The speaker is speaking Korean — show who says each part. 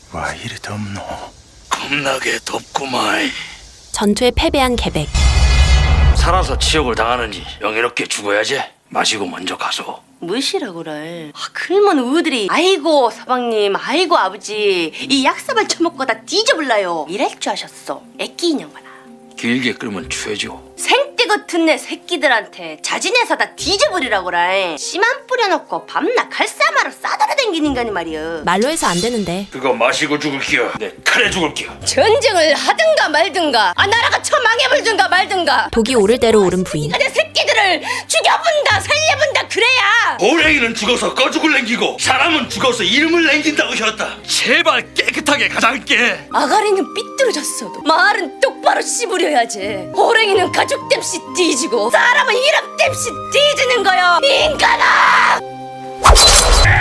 Speaker 1: 와 이리 덥노?
Speaker 2: 겁나게 덥구만.
Speaker 3: 전투에 패배한 계백.
Speaker 2: 살아서 치욕을 당하는지 영예롭게 죽어야지. 마시고 먼저 가소.
Speaker 4: 무시라고래. 그러면 우들이 아이고 서방님, 아이고 아버지, 이 약사발 처먹고 다 뒤져볼라요 이럴 줄 아셨어. 애끼 인형만아.
Speaker 2: 길게 끓으면 추해지고.
Speaker 4: 생떼 같은 내 새끼들한테 자진해서 다 뒤져버리라고라. 씨만 뿌려놓고 밤낮 칼싸마로 싸돌아댕기는 인간이 말이여.
Speaker 3: 말로 해서 안 되는데.
Speaker 2: 그거 마시고 죽을게요. 내 칼에 죽을게요.
Speaker 4: 전쟁을 하든가 말든가, 나라가 처망해버든가 말든가.
Speaker 3: 독이 오를 대로 오른 부인.
Speaker 4: 내 새끼들을 죽여본다 살려본다 그래야.
Speaker 2: 호랭이는 죽어서 꺼죽을 남기고 사람은 죽어서 이름을 남긴다고 하였다. 제발 깨끗하게 가장께.
Speaker 4: 아가리는 삐뚤어졌어도 말은 똑바로 씹으려야지. 호랭이는 가죽 땜시 뒤지고 사람은 이름 땜시 뒤지는 거요 인간아.